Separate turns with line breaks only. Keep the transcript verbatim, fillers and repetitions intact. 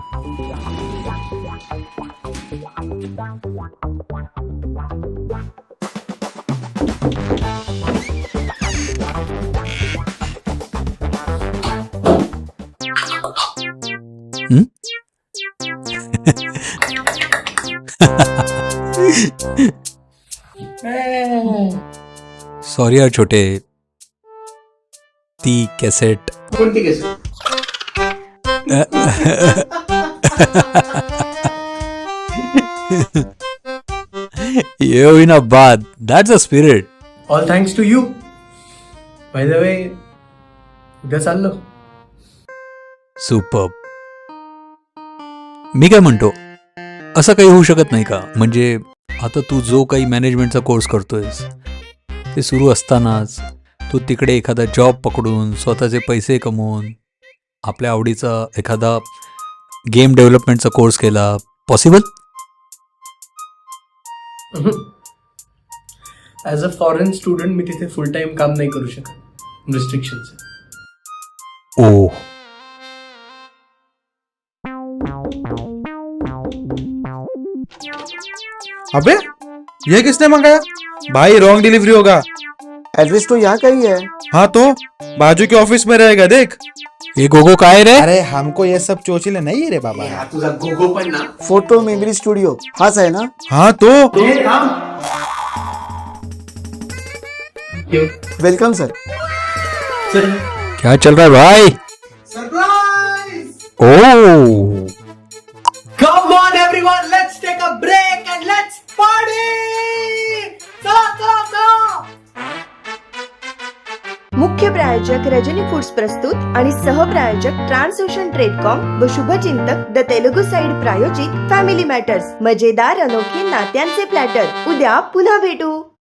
हं? Sorry यार छोटे, ती कॅसेट
कोणती केस?
ये होईना बाद. That's a spirit.
All thanks to you. By the way, उद्या चाललो.
सुपर. मी काय म्हणतो, असं काही होऊ शकत नाही का? म्हणजे आता तू जो काही मॅनेजमेंटचा कोर्स करतोयस ते सुरू असतानाच तू तिकडे एखादा जॉब पकडून स्वतःचे पैसे कमवून आपल्या आवडीचा एखादा गेम डेव्हलपमेंटचा कोर्स केला. Possible?
As a foreign student मी तिथे फुल टाइम काम नाही करू शकत, रिस्ट्रिक्शन्स.
ओ,
अबे ये किसने मंगाया? भाई रॉन्ग डिलीवरी होगा.
एड्रेस तो यहाँ का ही है.
हाँ तो बाजू के ऑफिस में रहेगा देख.
ये गोगो काय रे?
अरे हमको ये सब चोचले नहीं रे बाबा.
तुझा गोगो पण ना.
फोटो मेमरी स्टुडिओ हाच आहे ना.
हाँ तो
वेलकम सर.
क्या चल रहा है भाई?
Surprise.
Oh,
Come on everyone, let's take a break and let's party! चला चला चला.
मुख्य प्रायोजक रजनी फूड्स प्रस्तुत आणि सहप्रायोजक ट्रान्सओशन ट्रेडकॉम व शुभचिंतक द तेलुगू साइड प्रायोजित फॅमिली मॅटर्स. मजेदार अनोखे नात्यांचे प्लॅटर. उद्या पुन्हा भेटू.